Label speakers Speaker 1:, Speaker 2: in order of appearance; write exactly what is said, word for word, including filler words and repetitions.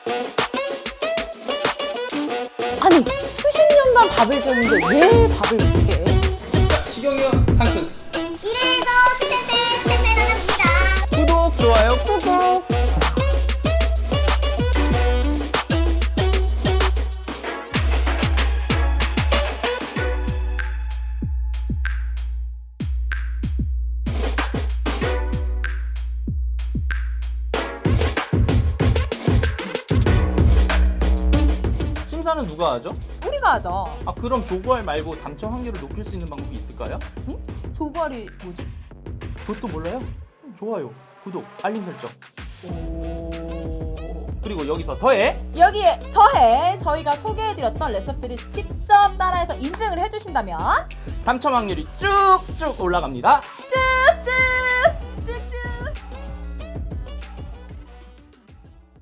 Speaker 1: 아니 수십 년간 밥을 줬는데 왜 밥을 못해?
Speaker 2: 자, 시경이 형 탕크스.
Speaker 3: 이래서 스탠페 스탠페 나갑니다.
Speaker 1: 구독 좋아요 꾹꾹.
Speaker 2: 심사는 누가 하죠?
Speaker 1: 우리가 하죠.
Speaker 2: 아 그럼 조과알 말고 당첨 확률을 높일 수 있는 방법이 있을까요?
Speaker 1: 응? 조과리 뭐지?
Speaker 2: 그것도 몰라요? 음, 좋아요, 구독, 알림 설정.
Speaker 1: 오...
Speaker 2: 그리고 여기서 더해.
Speaker 1: 여기에 더해 저희가 소개해드렸던 레시피들을 직접 따라해서 인증을 해주신다면
Speaker 2: 당첨 확률이 쭉쭉 올라갑니다.
Speaker 1: 짠!